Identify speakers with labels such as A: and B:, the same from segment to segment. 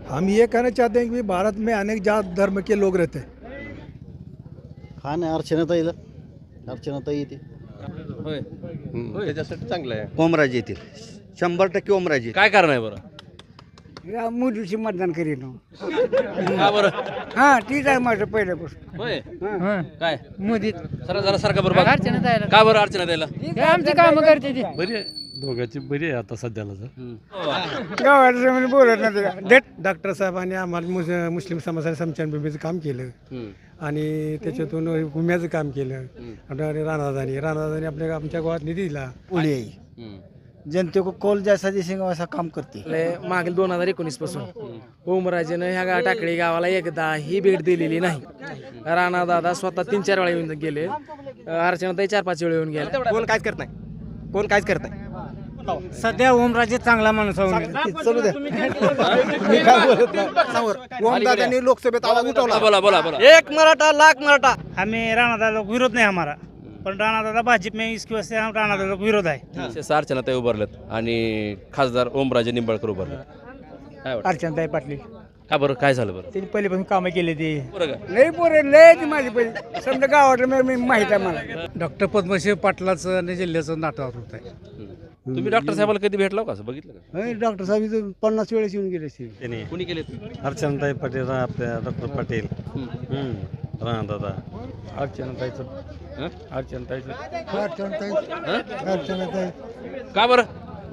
A: हम ये कहना चाहते हैं कि भारत में अनेक जात धर्म के लोग रहते हैं।
B: हा नाही अर्चनाताई येते
C: होय होय त्याच्यासाठी चांगलं आहे.
B: ओमराजे येतील 100% ओमराजे.
C: काय कारण आहे बरं?
D: मोदीची मतदान करीन
C: का बरं?
D: हा तीच आहे माझं पहिल्यापासून.
C: होय काय
D: मोदी
C: जरा सारखा बरं बघा. का बरं अर्चना द्यायला?
D: आमची कामं करते ती
E: बरी आहे दोघांची बरी आहे आता सध्याला तर
D: गावात बोलत नाही
A: डॉक्टर साहेबांनी आम्हाला मुस्लिम समाजाला समशानभूमीचं काम केलं आणि त्याच्यातून विम्याचं काम केलं. आणि राणादानी आमच्या गावात निधी दिला.
B: पुढे जनते को कॉल जैसा दिसेगा वैसा काम करते.
F: मागील 2019 पासून ओमराजेनं ह्या टाकळी गावाला एकदा ही भेट दिलेली नाही. राणा दादा स्वतः 3-4 वेळा येऊन गेले. अर्चनाताई 4-5 वेळा येऊन गेले.
G: कोण काहीच करत नाही, कोण काहीच करत नाही.
D: सध्या ओमराजे चांगला माणूस
A: चलू द्या मी काय बोलत नाही.
G: ओमदादांनी लोकसभेत आवाज उठवला.
C: बोला बोला बोला.
G: एक मराठा लाख मराठा.
D: हमें राणा दादा को विरोध नहीं हमारा, पर राणा दादा भाजपा में इसकी वजह से हम राणा दादा को विरोध है.
C: विशेष अर्चनाताई उभारलेत आणि खासदार ओमराजे निंबाळकर उभारले. काय वाटतं?
D: अर्चनाताई पाटील
C: का बरं काय झालं बरं?
D: त्यांनी पहिल्यापासून कामं केली ती.
C: बरं का?
D: लई पोरे लय ती माझी पहिली समजा गावात माहित आहे मला.
E: डॉक्टर पद्मश्री पाटलाचं आणि जिल्ह्याचं नाटक होत आहे.
C: तुम्ही डॉक्टर साहेबाला कधी भेटला का? असं बघितलं का?
B: डॉक्टर साहेब 50 वेळेस येऊन गेले असतील.
C: कुणी केले?
E: अर्चनाताई पाटील आपल्या डॉक्टर पाटील राणा दादा
C: का बरं?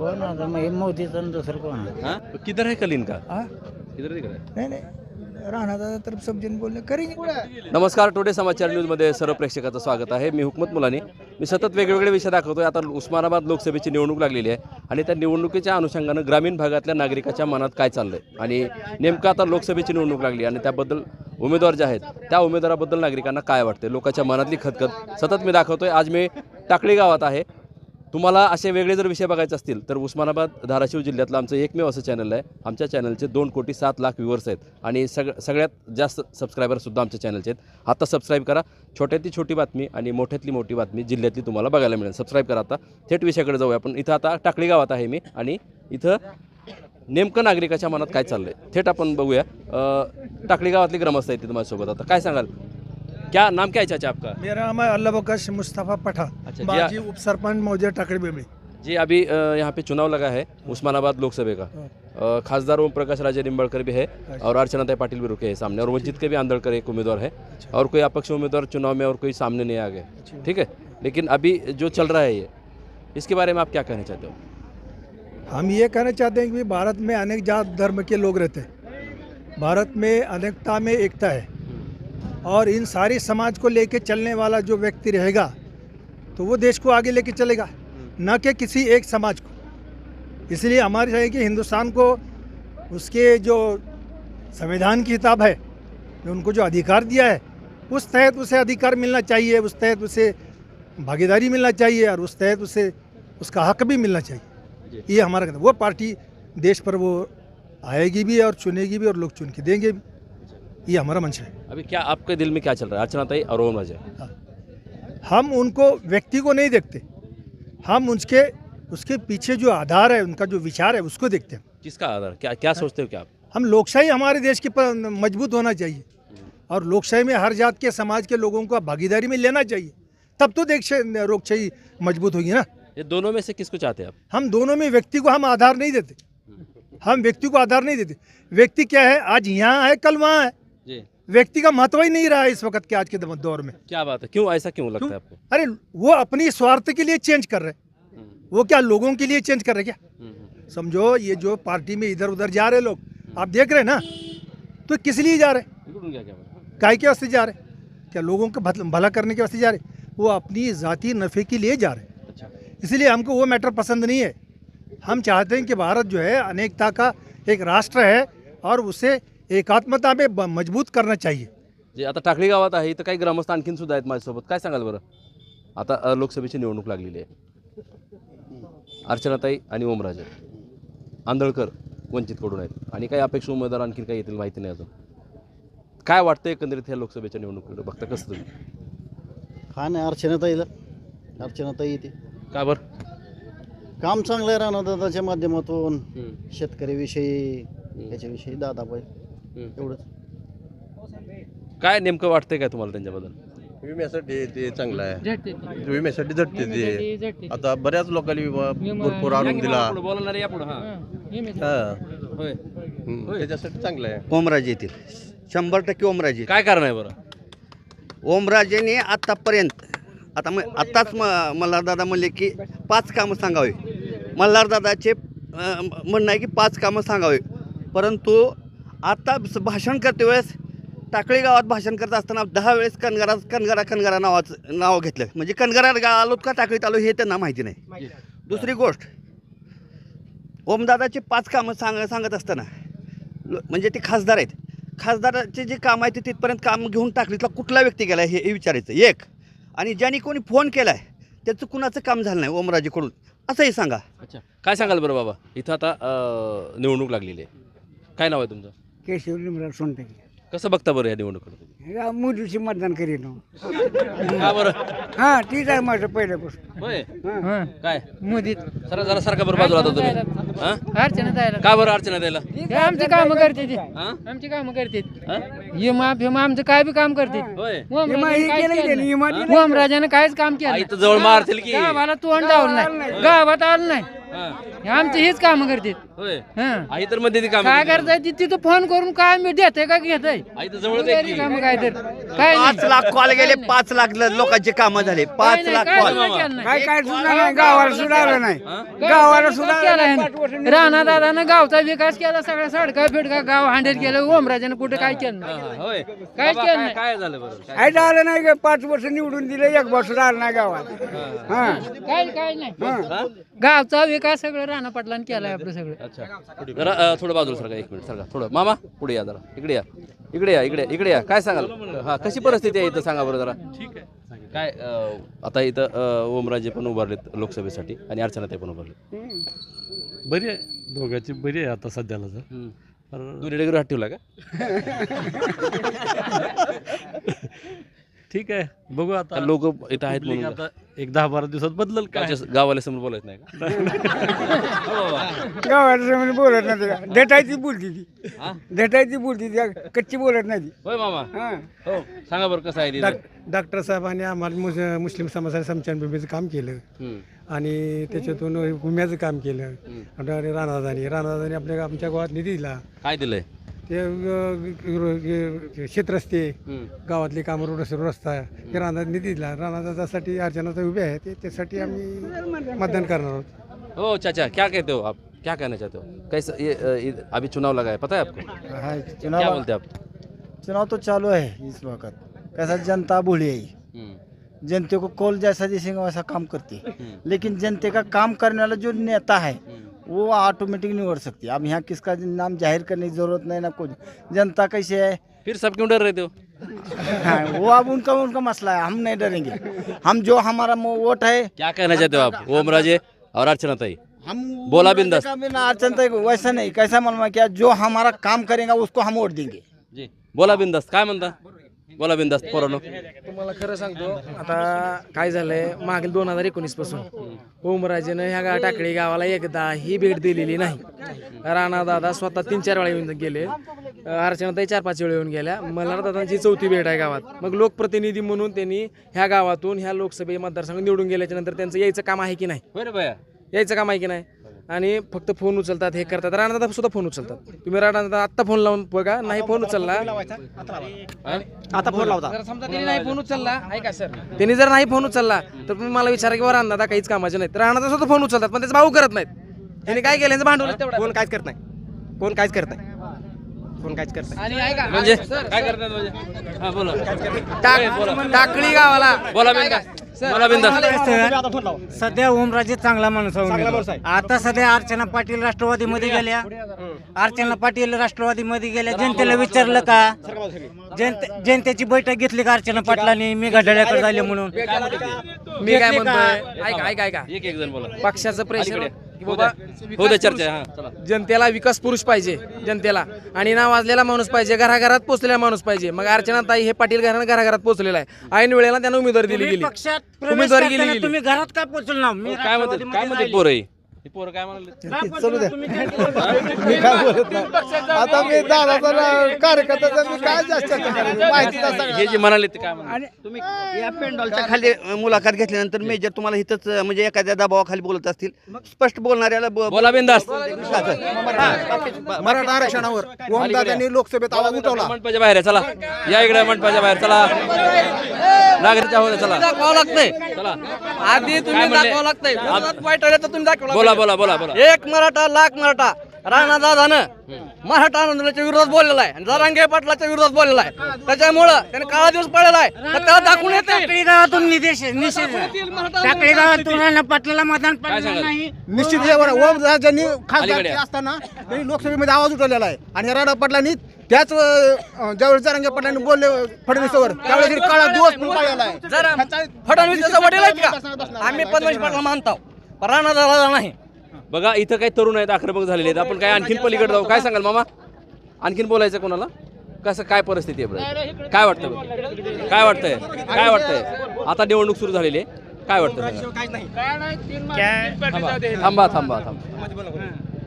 D: मोदीचं दुसरं कोण
C: हाँ? किधर है कलीन का? किधर दिख रहा है?
A: नाही नाही राणादादा तर समजून बोलणे करेंगे.
C: नमस्कार, टुडे समाचार न्यूजमध्ये सर्व प्रेक्षकाचं स्वागत आहे. मी हुकमत मुलानी. मी सतत वेगवेगळे विषय दाखवतोय. आता उस्मानाबाद लोकसभेची निवडणूक लागलेली आहे आणि त्या निवडणुकीच्या अनुषंगानं ग्रामीण भागातल्या नागरिकाच्या मनात काय चाललंय आणि नेमकं आता लोकसभेची निवडणूक लागली आणि त्याबद्दल उमेदवार जे आहेत त्या उमेदवाराबद्दल नागरिकांना काय वाटते, लोकांच्या मनातली खतखत सतत मी दाखवतोय. आज मी टाकळी गावात आहे. तुम्हाला असे वेगळे जर विषय बघायचे असतील तर उस्मानाबाद धाराशिव जिल्ह्यातलं आमचं एकमेव असं चॅनल आहे. आमच्या चॅनलचे 2,07,00,000 व्ह्यूवर्स आहेत आणि सगळ्यात जास्त सबस्क्रायबरसुद्धा आमच्या चॅनलचे आहेत. आता सबस्क्राईब करा. छोट्यातली छोटी बातमी आणि मोठ्यातली मोठी बातमी जिल्ह्यातली तुम्हाला बघायला मिळेल. सबस्क्राईब करा. आता थेट विषयाकडे जाऊया आपण. इथं आता टाकळी गावात आहे मी आणि इथं नेमकं नागरिकाच्या मनात काय चाललं आहे थेट आपण बघूया. टाकळी गावातली ग्रामस्थ आहेत तिथं माझ्यासोबत. आता काय सांगाल? क्या नाम क्या है चाचा आपका?
A: मेरा नाम है अल्लाह बकश मुस्तफ़ा पठा,
C: अच्छा,
A: बाजी उप सरपंच मौजा टाकड़ी बेबड़ी.
C: जी अभी यहाँ पे चुनाव लगा है उस्मानाबाद लोकसभा का. खासदार ओम प्रकाश राजे निंबाळकर भी है और अर्चनाताई पाटिल भी रुके हैं सामने और वंचित के भी आंदोलकर एक उम्मीदवार है और कोई अपक्ष उम्मीदवार चुनाव में और कोई सामने नहीं आ गए. ठीक है, लेकिन अभी जो चल रहा है ये इसके बारे में आप क्या कहना चाहते हो?
A: हम ये कहना चाहते हैं कि भारत में अनेक जात धर्म के लोग रहते हैं. भारत में अनेकता में एकता है और इन सारी समाज को लेके चलने वाला जो व्यक्ति रहेगा तो वो देश को आगे लेके चलेगा, न कि किसी एक समाज को. इसलिए हमारी चाहिए कि हिंदुस्तान को उसके जो संविधान की किताब है, जो उनको जो अधिकार दिया है उस तहत उसे अधिकार मिलना चाहिए, उस तहत उसे भागीदारी मिलना चाहिए और उस तहत उसे उसका हक भी मिलना चाहिए. ये हमारा कहना. वो पार्टी देश पर वो आएगी भी और चुनेगी भी और लोग चुन के देंगे भी. ये हमारा मंशा है.
C: अभी क्या आपके दिल में क्या चल रहा है? अर्चनाताई और ओमराजे.
A: हम उनको व्यक्ति को नहीं देखते, हम उसके पीछे जो आधार है, उनका जो विचार है उसको देखते हैं.
C: किसका आधार? क्या क्या सोचते हो क्या आप?
A: हम लोकशाही हमारे देश की मजबूत होना चाहिए और लोकशाही में हर जात के समाज के लोगों को भागीदारी में लेना चाहिए, तब तो देश लोकशाही मजबूत होगी ना.
C: ये दोनों में से किसको चाहते हैं आप?
A: हम दोनों में व्यक्ति को हम आधार नहीं देते. हम व्यक्ति को आधार नहीं देते. व्यक्ति क्या है, आज यहाँ है कल वहाँ है.
C: जी,
A: व्यक्ति का महत्व ही नहीं रहा है इस वक्त के आज के दौर में.
C: क्या बात है? क्यों ऐसा क्यों लगता है आपको?
A: अरे वो अपनी स्वार्थ के लिए चेंज कर रहे हैं. वो क्या लोगों के लिए चेंज कर रहे हैं क्या? समझो ये जो पार्टी में इधर उधर जा रहे लोग, आप देख रहे हैं ना, तो किस लिए जा रहे हैं? काय के वास्ते जा रहे हैं? क्या लोगों का भला करने के वास्ते जा रहे हैं? वो अपनी ज़ाती नफ़े के लिए जा रहे हैं.
C: अच्छा,
A: इसलिए हमको वो मैटर पसंद नहीं है. हम चाहते हैं कि भारत जो है अनेकता का एक राष्ट्र है और उसे एकात्मता में मजबूत करना चाहिए.
C: जे आता टाकळी गावात आहे इथं काही ग्रामस्थ आणखीन सुद्धा आहेत माझ्यासोबत. काय सांगाल बरं? आता लोकसभेची निवडणूक लागलेली आहे. अर्चनाताई आणि ओमराजे आंदळकर वंचितकडून आहेत आणि काही अपेक्षा उमेदवार आणखीन काही येतील माहिती नाही अजून. काय वाटतं एकंदरीत ह्या लोकसभेच्या निवडणुकीकडे बघता कसं तुम्ही?
B: हा नाही अर्चनाताई येते.
C: का बरं?
B: काम चांगलं आहे राणा दादाच्या माध्यमातून. शेतकऱ्याविषयी त्याच्याविषयी दादाबाई एवढंच.
C: काय नेमकं वाटतंय काय तुम्हाला त्यांच्याबद्दल?
H: विम्यासाठी ते चांगलं आहे. विम्यासाठी झटते ते. आता बऱ्याच लोकांनी भरपूर आणून दिला.
C: बोलणार या पुढे. होय.
H: त्याच्यासाठी चांगलं आहे.
I: ओमराजे येतील 100% ओमराजे.
C: काय कारण आहे बरं?
I: ओमराजेने आत्तापर्यंत आत्ताच मल्हारदादा म्हणले की 5 कामं सांगावे. मल्हारदादाचे म्हणणं आहे की 5 कामं सांगावे, परंतु आता भाषण करते वेळेस टाकळी गावात भाषण करत असताना 10 वेळेस कनगरा नावाचं नाव घेतलं. म्हणजे कनगरा आलोत का टाकळीत आलो हे त्यांना माहिती नाही. दुसरी गोष्ट, ओमदादाचे 5 कामं सांगत असताना म्हणजे ते खासदार आहेत, खासदाराचे जे काम आहे ते तिथपर्यंत काम घेऊन टाकलीतला कुठला व्यक्ती गेला हे विचारायचं एक. आणि ज्यांनी कोणी फोन केला आहे त्याचं कुणाचं काम झालं नाही ओमराजेकडून असंही सांगा.
C: अच्छा, काय सांगाल बरं बाबा? इथं आता निवडणूक लागलेली आहे. काय नाव आहे तुमचं?
B: केशव लिमराव सोनटके.
C: कसं बघता बरं या निवडणुकीकडे?
B: मोदीची मतदान करीन.
C: का बरं?
B: हां, तीच आहे माझं पहिल्यापासून.
C: होय. काय
F: मोदी
C: जरा सारखा बरं बाजूला आता तुम्ही. हां?
F: अर्चना द्यायला
C: का बरं अर्चना द्यायला?
F: आमची कामं करते ती.
C: हां?
F: आमची कामं करते.
C: हां?
F: आमचं काय बी काम करते.
C: होय.
F: ओमराजाने काहीच काम केलं
C: इथं जवळ मारतील की.
F: गावाला तोंड लावलं नाही, गावात आलं नाही. आमची हीच कामं करते.
C: होय.
F: हं.
C: आई तर मध्ये ती काम
F: काय करताय तिथं फोन करून काय मी देते का घेताय
C: आई तर जवळच आहे की.
F: काम काय तर काय
I: 5 लाख कॉल गेले, 5 लाख लोकांचे कामं झाले. 5 लाख कॉल.
B: काय सुद्धा नाही, गावाला सुद्धा आलं नाही. गावाला सुद्धा
F: राणा दादानं गावचा विकास केला, सगळ्या सडका फिडका गाव हांडेत गेलं. ओमराजानं कुठं काय केलं नाही.
C: होय.
F: काहीच
C: बाबा,
F: केलं
C: काय
F: नाही.
C: काय झालं बरं? काय?
B: काय झालं नाही का? 5 वर्ष निवडून दिले, 1 वर्ष सुद्धा आलं नाही गावात. हां,
F: काय नाही. गावचा विकास सगळं राणा पाटलांनी केलाय आपलं सगळं.
C: अच्छा, जरा थोडं बाजूला सरका, 1 मिनिट सरका थोडं. मामा पुढे या जरा, इकडे या. काय सांगाल? हा, कशी परिस्थिती आहे इथं सांगा बरं जरा. ठीक आहे. काय आता इथं ओमराजे पण उभारलेत लोकसभेसाठी आणि अर्चनाताई पण उभारलेत.
E: बरी आहे, दोघांची बरी आहे आता सध्याला तर.
C: दोन्ही डेगरी हात ठेवला का?
E: ठीक आहे, बघू आता.
C: लोक इथं आहेत म्हणून
E: आता 10-12 दिवसात बदलल काय.
C: गावाला समोर बोलायचं नाही का?
B: गावाला समोर बोलत नाही का? देटायची बोलती ती. देटायची बोलती ती, कच्ची बोलत नाही ती.
C: होय मामा.
B: हां.
C: हो, सांगा बरं कसं आहे तिथं?
A: डॉक्टर साहेबांनी आम्हाला मुस्लिम समाजासाठी समशानभूमीचं काम केलं आणि त्याच्यातून विम्याचं काम केलं. आणि राणादानी आमच्या गावात निधी दिला.
C: काय दिलंय?
A: ते शेतरस्ते, गावातले कामं, रस्ता हे राणा निधी दिला. राणादासाठी अर्चनाताई उभे आहेत, त्यासाठी आम्ही मतदान करणार आहोत.
C: हो चाचा, क्या कहते हो आप? क्या कहना चाहते हो? कैसे ये अभी चुनाव लगा है, पता है आपको?
B: हाँ,
C: क्या बोलते हैं आप?
B: चुनाव तो चालू है इस वक्त. कैसा जनता भोली है, जनते को कॉल जैसा दिखेगा वैसा काम करती है. लेकिन जनते का काम करने वाला जो नेता है वो ऑटोमेटिक नहीं उड़ सकती. अब यहाँ किसका नाम जाहिर करने की जरूरत नहीं ना कुछ. जनता कैसे है
C: फिर सब क्यों डर रहे थे हो?
B: हाँ, वो अब उनका मसला है. हम नहीं डरेंगे. हम जो हमारा वोट है.
C: क्या कहना चाहते हो आप ओमराजे और अर्चनाताई?
B: हम
C: बोला बिंदास.
B: अर्चना वैसा नहीं, कैसा मालूम है क्या, जो हमारा काम करेगा उसको हम वोट देंगे.
C: जी बोला बिंदास. काय म्हणता? बोला बिंदास पोरांनो.
F: तुम्हाला खरं सांगतो, आता काय झालंय, मागील 2019 पासून ओमराजेनं ह्या टाकळी गावाला एकदा ही भेट दिलेली नाही. राणा दादा स्वतः 3-4 वेळा येऊन गेले, अर्चनाताई 4-5 वेळा येऊन गेल्या. मल्हारदादांची 4थी भेट आहे गावात. मग लोकप्रतिनिधी म्हणून त्यांनी ह्या गावातून ह्या लोकसभे मतदारसंघ निवडून गेल्याच्या नंतर त्यांचं यायचं काम आहे की नाही?
C: होय रे बाया.
F: यायचं काम आहे की नाही? आणि फक्त फोन उचलतात, हे करतात. राणादादा सुद्धा फोन उचलतात. तुम्ही राणादादा आत्ता फोन लावून बघा, नाही फोन उचलला
G: आता फोन लावता.
F: जर समजा त्यांनी नाही फोन उचलला, ऐका सर, त्यांनी जर नाही फोन उचलला तर तुम्ही मला विचारा की राणादादा काहीच कामाचे नाहीत. राणादादा सुद्धा फोन उचलतात, पण त्याचा भाऊ करत नाहीत. त्यांनी काय केलं, यांचं भांडवल तेवढं.
G: कोण काहीच करत नाही. कोण काहीच करत नाही. कोण काहीच करत नाही.
F: आणि ऐका
C: म्हणजे
F: सर,
C: काय करतात म्हणजे? हा बोला.
F: टाकळी गावाला
C: बोला बिंदास. बोला बिंदास.
J: सध्या ओमराजे चांगला माणूस आहे. आता सध्या अर्चना पाटील राष्ट्रवादीमध्ये गेल्या. अर्चना पाटील राष्ट्रवादीमध्ये गेल्या. जनतेला विचारलं का? जनतेची बैठक घेतली का अर्चना पाटलांनी? मी घड्याळ्याकडे झाले म्हणून.
F: मी काय म्हणतोय, ऐका
C: एक जण बोला.
F: पक्षाचं प्रेशर की बाबा
C: हो दे चर्चा. हा चला.
F: जनतेला विकास पुरुष पाहिजे, जनतेला आणि नाव वाजलेला माणूस पाहिजे, घराघरात पोहोचलेला माणूस पाहिजे. मग अर्चनाताई हे पाटील घराघरात पोहोचलेला आहे. ऐन वेळेला त्यांना उमेदवारी दिली गेली.
J: पक्षात प्रवेश
F: उमेदवारी गेली
J: करताना
F: गेली.
J: तुम्ही घरात काय पोहोचल ना? मी
C: काय म्हणते पोरं? ही पोरं काय म्हणाले
B: चलू द्या मी काय बोलत नाही आता मी दादाचा कार्यकर्त्याचा मी काय जास्त माहिती
C: हे जे म्हणाले ते काय म्हणाले
I: तुम्ही या पेंडॉलच्या खाली मुलाखत घेतल्यानंतर मेजर तुम्हाला इथंच म्हणजे एखाद्या दबावाखाली बोलत असतील स्पष्ट बोलणाऱ्याला
C: बोला बिंदास
B: मराठा आरक्षणावर ओमदादांनी लोकसभेत आवाज उठवला.
C: मंडपाच्या बाहेर आहे, चला या इकडे मंडपाच्या बाहेर चला नागरिकच्या होते चला
F: दाखवावं लागतंय
C: चला
F: आधी तुम्ही दाखवावं लागतंय वाईट आलं तर तुम्ही दाखवा.
C: बोला बोला बोला बोला
F: एक मराठा लाख मराठा राणा दादानं मराठा आंदोलनाच्या विरोधात बोललेला आहे आणि जरांगे पाटलाच्या विरोधात बोललेला आहे. त्याच्यामुळं त्याने काळा दिवस पडलेला आहे तर त्याला दाखवून येते.
J: टाकळी गावातून निषेध टाकळी गावातून राणा पाटलाला मतदान पडलं नाही.
B: निश्चित ओमराजांनी खासदार असताना त्यांनी लोकसभेमध्ये आवाज उठवलेला आहे आणि राणा पाटलांनी त्याच ज्यावेळेस जरांगे पाटलांनी बोलले फडणवीसवर त्यावेळेस काळा दिवस पण पाळलेला आहे.
F: जरा फडणवीस त्याचा वडील आहेत का? आम्ही पद्मश्री पाटला मानतो पण राणा दादा नाही.
C: बघा इथं काही तरुण आहेत आक्रमक झालेले आहेत आपण काय आणखीन पलीकडे जाऊ काय सांगाल मामा आणखीन बोलायचं कोणाला कसं काय परिस्थिती आहे बरं? काय वाटतं बरं? काय वाटतंय काय वाटतंय आता निवडणूक सुरू झालेली आहे काय वाटतं थांबा थांबा थांबा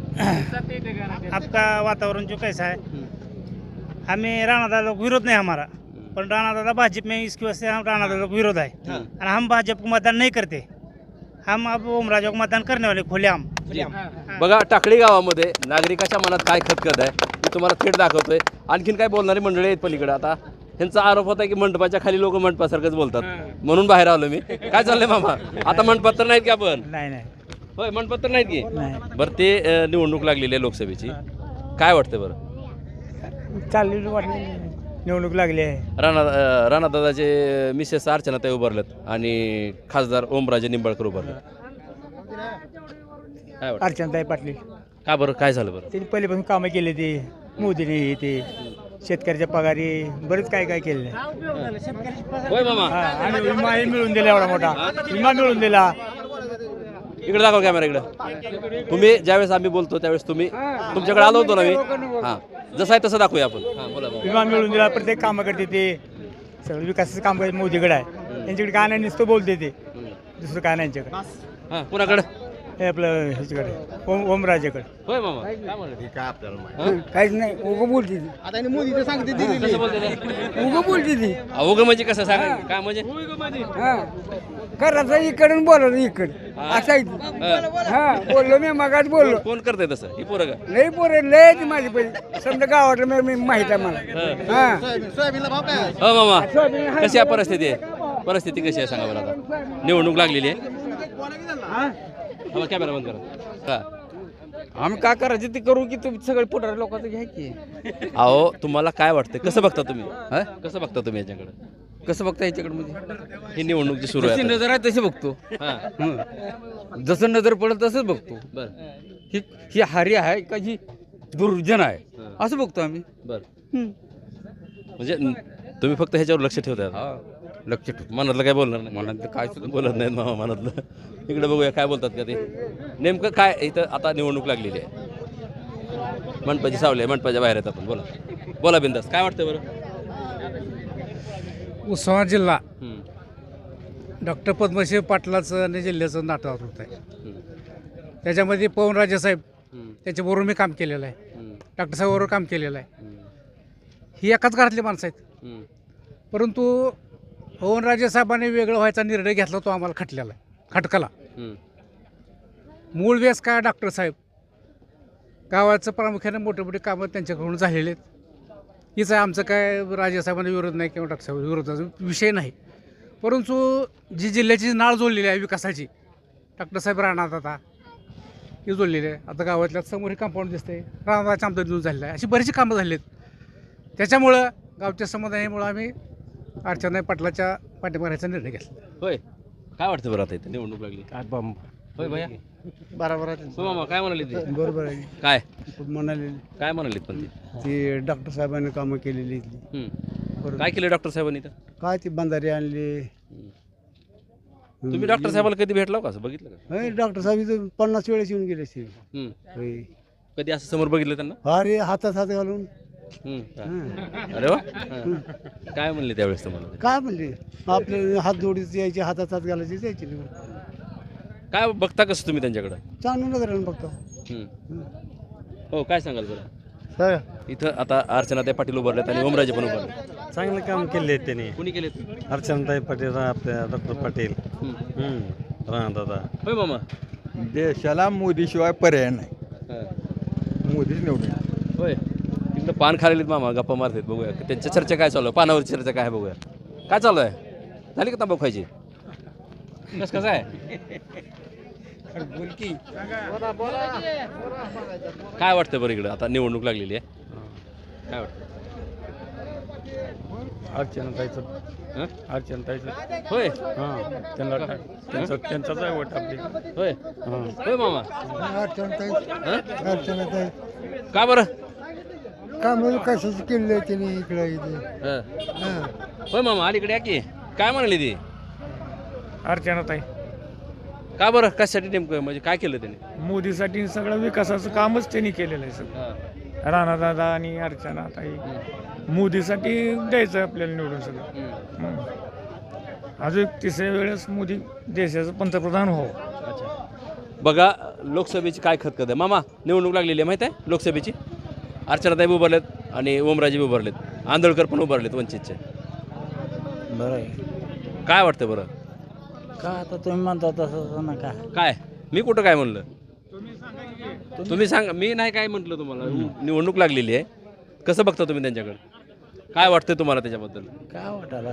D: आपका वातावरण जो कैसा है हमें राणा दादा को विरोध नहीं हमारा पर राणा दादा भाजपा में इसकी वजह से हम राणा दादा को विरोध है और हम भाजपा को मतदान नहीं करते हम अब ओमराजा को मतदान करने वाले खुलेआम.
C: बघा टाकळी गावामध्ये नागरिकाच्या मनात काय खतखत आहे मी तुम्हाला थेट दाखवतोय आणखीन काय बोलणारी मंडळी आहेत पलीकडे आता ह्यांचा आरोप होता की मंडपाच्या खाली लोक मंडपासारखंच बोलतात म्हणून बाहेर आलो मी काय चाललंय मामा आता मंडपात तर नाहीत की आपण
D: नाही
C: होय मंडपात तर नाहीत की बरं ते निवडणूक लागलेली आहे लोकसभेची काय वाटतं बरं
D: चालली वाटली निवडणूक लागली आहे.
C: राणा दादाचे मिसेस अर्चनाताई उभारलेत आणि खासदार ओमराजे निंबाळकर उभारलेत काय वाटतं
D: अर्चनाताई पाटील
C: का बरं काय झालं बरं
D: त्यांनी पहिल्यापासून कामं केली ती मोदीने हे ते शेतकऱ्याच्या पगारी बरेच काय काय केले
C: होय मामा
D: आणि विमाही मिळून दिला एवढा मोठा विमा मिळून दिला.
C: इकडे दाखवा कॅमेरा इकडे तुम्ही ज्यावेळेस आम्ही बोलतो त्यावेळेस तुम्ही तुमच्याकडे आलो होतो ना मी हां जसं आहे तसं दाखवूया आपण हां बोला
D: विमा मिळून दिला प्रत्येक कामं करते ते सगळं विकासाचं काम करते मोदीकडे आहे त्यांच्याकडे काय नाही नुसतं बोलते ते दुसरं काय नाही यांच्याकडे
C: हां कुणाकडे
D: हे आपलं ह्याच्याकडे ओमराजेकडे
C: होय मामा काय म्हणलं
B: काय आपल्याला
F: काहीच नाही उगं बोलते
B: आता मोदीचं सांगते
C: कसं बोलते ते?
F: उगं बोलते ती
C: अवघं म्हणजे कसं सांगा काय म्हणजे
F: करायचं इकडून बोलायचं इकडे असं हा बोललो मी मगाच बोललो
C: कोण करते तसं ही पोरं का
F: लई पोरे लय ती माझी पहिली समजा गावात मी माहित आहे मला हा
B: सोयाबीनला भाव काय
C: हो मामा कशी आहे परिस्थिती आहे परिस्थिती कशी आहे सांगा बरं आता निवडणूक लागलेली आहे कॅमेरा बंद करा का
F: आम्ही काय करायचं ते करू की तुम्ही सगळे पुढारी लोकांचं घ्या की
C: अहो तुम्हाला काय वाटतं कसं बघता तुम्ही कसं बघता तुम्ही याच्याकडे
F: कसं बघता याच्याकडे म्हणजे
C: ही निवडणूक जी सुरू
F: जशी
C: आहे
F: नजर आहे तशी बघतो
C: हां
F: जसं नजर पडेल तसंच बघतो
C: बरं
F: ही ही हारी आहे का ही दुर्जन आहे असं बघतो आम्ही
C: बरं म्हणजे तुम्ही फक्त ह्याच्यावर लक्ष ठेवताय
F: लक्ष ठेवतो
C: मनातलं काय बोलणार नाही
F: मनात काय सुद्धा
C: बोलत नाहीत मामा मनातलं इकडे बघूया काय बोलतात का ते नेमकं काय इथं आता निवडणूक लागलेली आहे मंडपाची सावली आहे मंडपाच्या बाहेर आहेत आपण बोला बोला बिंदास काय वाटतं बरं
K: उस्मानाबाद जिल्हा
C: हम्म,
K: डॉक्टर पद्मश्री पाटलाचं आणि जिल्ह्याचं नाटक होत आहे
C: हम्म,
K: त्याच्यामध्ये पवनराजे साहेब
C: हम्म,
K: त्याच्याबरोबर मी काम केलेलं आहे
C: हम्म,
K: डॉक्टर साहेबाबरोबर काम केलेलं आहे.
C: हम्म,
K: ही एकाच घरातली माणसं आहेत
C: हम्म,
K: परंतु पवनराजे साहेबांनी वेगळं व्हायचा निर्णय घेतला तो आम्हाला खटकला
C: हम्म,
K: मूळ वेस काय डॉक्टर साहेब गावाचं प्रामुख्याने मोठे मोठे कामं त्यांच्याकडून झालेले आहेत. हीच आहे आमचं काय राजेसाहेबांना विरोध नाही किंवा डॉक्टर साहेब विरोधाचा विषय नाही. परंतु जी जिल्ह्याची नाळ जोडलेली आहे विकासाची डॉक्टर साहेब राहणार आता ही जोडलेली आहे. आता गावातल्या समोर हे कंपाऊंड दिसते राहणाराच्या आमदार देऊन झालेलं आहे. अशी बरीचशी कामं झाली आहेत. त्याच्यामुळं गावच्या समुदायामुळं आम्ही अर्चना पाटलाच्या पाठीमारायचा निर्णय घेतला.
C: होय काय वाटतं बरं आता इथं निवडणूक लागली होय भैया
B: बरोबर आहे
C: हो मामा काय म्हणाले ते
B: बरोबर आहे
C: काय
B: म्हणाले
C: काय म्हणाले पण ते
B: ती डॉक्टर साहेबांनी कामं केलेली इथली.
C: हम्म. काय केलं डॉक्टर साहेबांनी इथं
B: काय ती बंधारे आणली
C: तुम्ही डॉक्टर साहेबाला कधी भेटला का असं बघितलं का
B: डॉक्टर साहेब इथं 50 वेळेस येऊन गेले असतील.
C: हम्म.
B: होय.
C: कधी असं समोर बघितलं त्यांना
B: अरे हातात हात घालून
C: अरे वा काय म्हणले त्यावेळेस तुम्हाला
B: काय म्हणले आपले हात जोडीच यायचे हातात हात घालायचे जायचे.
C: काय बघता कसं तुम्ही त्यांच्याकडं?
B: चांगलं नजरेनं बघतो.
C: हो, काय सांगाल बरं? इथं आता अर्चनाताई पाटील उभारलेत आणि ओमराजे पण उभारले.
E: चांगलं काम केले त्यांनी.
C: कोणी केलेत?
E: अर्चनाताई पाटील, आपल्या डॉक्टर पाटील, राणादादा.
C: होय मामा.
A: देशाला मोदीशिवाय पर्याय नाही. मोदीच निवडून.
C: होय, तिकडं पान खालेलीत मामा, गप्पा मारतात. बघूया त्यांच्या चर्चा काय चालू आहे, पानावरची चर्चा काय आहे बघूया. काय चालू आहे? झाली का तंबाखू खायची? कसं आहे? काय वाटतं बरं इकडं आता निवडणूक लागलेली आहे, काय वाटतं?
E: अर्चनाताईचं.
C: होय
E: त्यांचाच आहे वोट आपली.
C: होय होय मामा.
A: अर्चनाताई
C: का बरं?
A: काम कशाची केली आहे त्यांनी इकडे इथे.
C: होय मामा, अलीकडे या की. काय म्हणाली ती?
K: अर्चनाताई
C: का बरं? कशासाठी नेमकं, म्हणजे काय केलं त्याने?
K: मोदीसाठी सगळं विकासाचं कामच त्यांनी केलेलं आहे सगळं. राणादादा आणि अर्चनाताई मोदीसाठी द्यायचं आपल्याला निवडून सगळं. अजून तिसऱ्या वेळेस मोदी देशाचं पंतप्रधान हो.
C: बघा, लोकसभेची काय खतखत आहे मामा. निवडणूक लागलेली आहे माहीत आहे लोकसभेची. अर्चनाताई उभारलेत आणि ओमराजे उभारलेत, आंदोळकर पण उभारलेत वंचितचे.
B: बरं आहे.
C: काय वाटतं बरं?
B: का आता तुम्ही म्हणता तसं नका.
C: काय मी कुठं काय म्हणलं? तुम्ही सांगा. मी नाही काय म्हटलं तुम्हाला. निवडणूक लागलेली आहे, कसं बघता तुम्ही त्यांच्याकडे? काय वाटतं तुम्हाला त्याच्याबद्दल?
B: काय वाटायला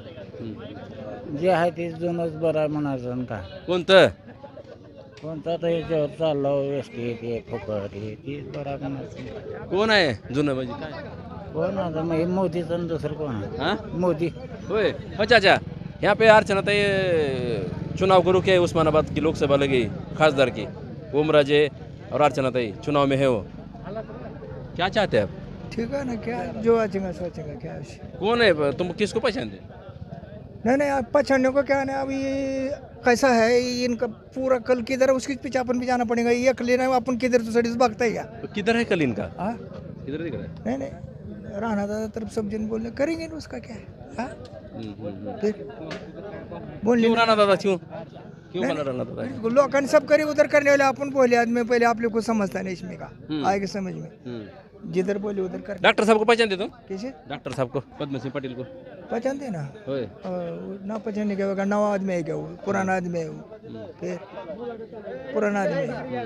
B: जे आहे ते जुनंच बरं आहे म्हणायचं का.
C: कोणतं?
B: कोणता तर याच्यावर चाललं एस टी ते फुकट हे तीच बरं म्हणायचं.
C: कोण आहे जुनं म्हणजे काय?
B: कोण आता मग हे मोदीचं आणि दुसरं कोण आहे?
C: हाँ
B: मोदी.
C: होय. अच्छा अच्छा, यहाँ पे अर्चनाताई चुनाव करो क्या उस्मानाबाद की लोकसभा लगी खासदार की, ओमराजे और अर्चनाताई चुनाव में है वो, क्या चाहते हैं आप?
A: ठीक है ना, क्या जो आचेगा सोचेगा क्या है?
C: कौन है तुम किसको पहचानते?
A: नहीं आप पहचानने को क्या है, अभी कैसा है इनका पूरा कल किधर है उसके पीछे अपन भी जाना पड़ेगा. ये लेना है अपन किधर तो सड़ी भागता ही.
C: किधर है कल इनका?
A: हाँ
C: किधर दिख रहा है?
A: नहीं राणा दादा तरफ सब जन बोलने करेंगे ना, उसका क्या है. हाँ फिर बोलने
C: क्यों राणा दादा? क्यों बोला राणा दादा?
A: लोगों सब करे उधर करने वाले अपन बोले आदमी पहले आप लोग को समझता नहीं इसमें का आएगा समझ में. जिधर बोले उधर कर.
C: डॉक्टर साहब को पहचानते तुम?
A: कैसे?
C: डॉक्टर साहब को, पद्म सिंह पटेल को
A: पहचानते ना.
C: होय.
A: ना पहचानने क्या होगा, नवा आदमी है क्या वो, पुराना आदमी है वो. फिर पुराना आदमी है.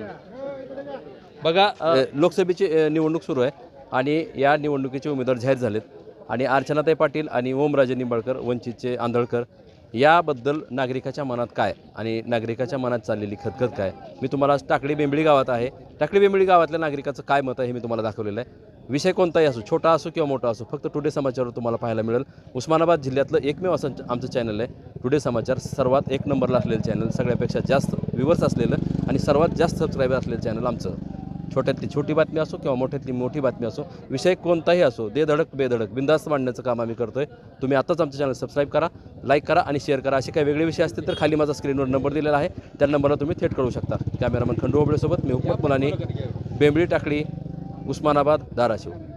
C: बघा, लोकसभेची निवडणूक सुरू आहे आणि या निवडणुकीचे उमेदवार जाहीर झालेत आणि अर्चनाताई पाटील आणि ओमराजे निंबाळकर वंचितचे आंदोळकर याबद्दल नागरिकाच्या मनात काय आणि नागरिकाच्या मनात चाललेली खतखत काय, मी तुम्हाला आज टाकळी बेंबळी गावात आहे. टाकळी बेंबळी गावातल्या नागरिकाचं काय मत आहे हे मी तुम्हाला दाखवलेलं आहे. विषय कोणताही असो, छोटा असो किंवा मोठा असो, फक्त टुडे समाचारवर तुम्हाला पाहायला मिळेल. उस्मानाबाद जिल्ह्यातलं एकमेव असं आमचं चॅनल आहे टुडे समाचार. सर्वात एक नंबरला असलेलं चॅनल, सगळ्यापेक्षा जास्त व्ह्यूवर्स असलेलं आणि सर्वात जास्त सबस्क्रायबर असलेलं चॅनल आमचं. छोट्यातली छोटी बातमी असो किंवा मोठ्यातली मोठी बातमी असो, विषय कोणताही असो, दे धडक बेधडक बिंदास्त मांडण्याचं काम आम्ही करतोय. तुम्ही आताच आमचं चॅनल सबस्क्राईब करा, लाईक करा आणि शेअर करा. असे काही वेगळे विषय असतील तर खाली माझा स्क्रीनवर नंबर दिलेला आहे, त्या नंबरला तुम्ही थेट कळू शकता. कॅमेरामन खंडू होबळेसोबत मी हुकमत मुलानी, बेंबळी टाकळी, उस्मानाबाद, धाराशिव.